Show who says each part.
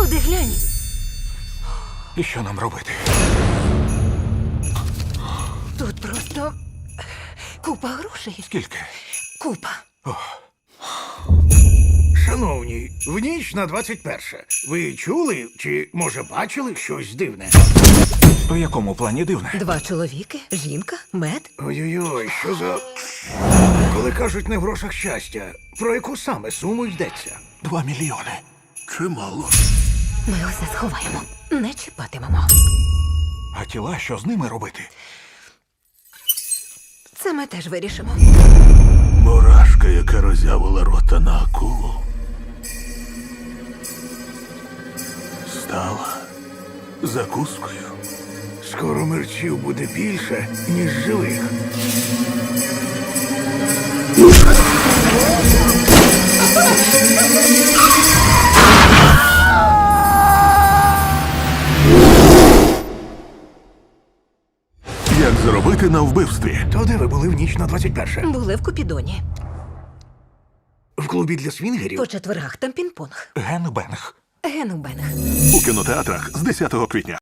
Speaker 1: Туди глянь.
Speaker 2: І що нам робити?
Speaker 1: Тут просто купа грошей.
Speaker 2: Скільки?
Speaker 1: Купа.
Speaker 3: Шановні, в ніч на 21. Ви чули чи, може, бачили щось дивне?
Speaker 2: У якому плані дивне?
Speaker 1: 2 чоловіки, жінка, мед.
Speaker 3: Ой-ой-ой, що за... Коли кажуть не в грошах щастя, про яку саме суму йдеться?
Speaker 2: 2 мільйони.
Speaker 3: Чимало.
Speaker 1: Ми усе сховаємо. Не чіпатимемо.
Speaker 2: А тіла, що з ними робити?
Speaker 1: Це ми теж вирішимо.
Speaker 4: Мурашка, яка роззявила рота на акулу, стала закускою.
Speaker 3: Скоро мерчів буде більше, ніж живих.
Speaker 4: Як заробити на вбивстві?
Speaker 3: То де ви були в ніч на 21?
Speaker 1: Були в Купідоні.
Speaker 3: В клубі для свінгерів?
Speaker 1: По четвергах там пінг-понг.
Speaker 2: Генбенг.
Speaker 1: Генубенг.
Speaker 4: У кінотеатрах з 10 квітня.